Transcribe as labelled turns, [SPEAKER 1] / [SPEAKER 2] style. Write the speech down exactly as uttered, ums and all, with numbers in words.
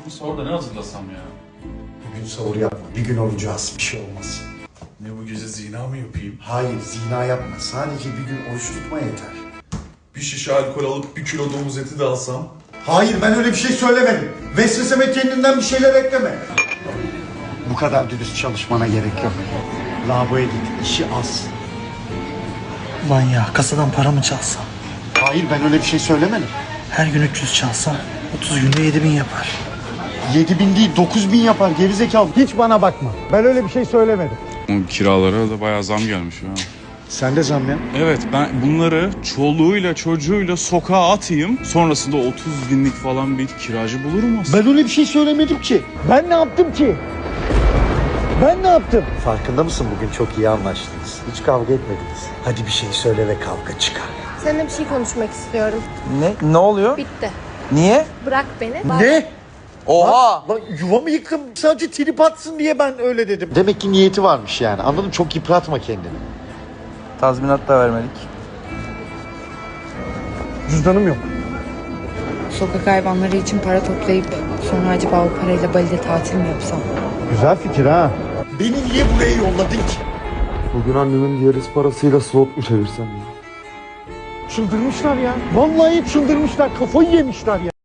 [SPEAKER 1] Sor da ne hazırlasam ya?
[SPEAKER 2] Bugün sahur yapma. Bir gün orucu az. Bir şey olmaz.
[SPEAKER 1] Ne bu gece zina mı yapayım?
[SPEAKER 2] Hayır, zina yapma. Sadece bir gün oruç tutma yeter.
[SPEAKER 1] Bir şişe alkol alıp bir kilo domuz eti de alsam?
[SPEAKER 2] Hayır, ben öyle bir şey söylemedim. Vesveseme kendinden bir şeyler ekleme. Bu kadar dürüst çalışmana gerek yok. Lavaboya git. İşi az.
[SPEAKER 3] Ulan ya kasadan para mı çalsam?
[SPEAKER 2] Hayır, ben öyle bir şey söylemedim.
[SPEAKER 3] Her gün üç yüz çalsam otuz günde yedi bin yapar.
[SPEAKER 2] Yedi bin değil, dokuz bin yapar gerizekalı. Hiç bana bakma. Ben öyle bir şey söylemedim.
[SPEAKER 4] O kiralara da bayağı zam gelmiş ya.
[SPEAKER 2] Sen de zam ya.
[SPEAKER 4] Evet, ben bunları çoluğuyla çocuğuyla sokağa atayım. Sonrasında otuz binlik falan bir kiracı bulurum aslında.
[SPEAKER 2] Ben öyle bir şey söylemedim ki. Ben ne yaptım ki? Ben ne yaptım? Farkında mısın, bugün çok iyi anlaştınız. Hiç kavga etmediniz. Hadi bir şey söyle ve kavga çıkar.
[SPEAKER 5] Seninle bir şey konuşmak istiyorum.
[SPEAKER 6] Ne? Ne oluyor?
[SPEAKER 5] Bitti.
[SPEAKER 6] Niye?
[SPEAKER 5] Bırak beni.
[SPEAKER 2] Ne?
[SPEAKER 6] Oha!
[SPEAKER 2] Lan yuvamı yıktım. Sadece trip atsın diye ben öyle dedim. Demek ki niyeti varmış yani. Anladın mı? Çok yıpratma kendini.
[SPEAKER 6] Tazminat da vermedik.
[SPEAKER 2] Cüzdanım yok.
[SPEAKER 7] Sokak hayvanları için para toplayıp sonra acaba o parayla Bali'de tatil mi yapsam?
[SPEAKER 2] Güzel fikir ha. Beni niye buraya yolladın ki?
[SPEAKER 8] Bugün annemin diğer parasıyla slot mu çevirsem ya?
[SPEAKER 2] Çıldırmışlar ya. Vallahi çıldırmışlar. Kafayı yemişler ya.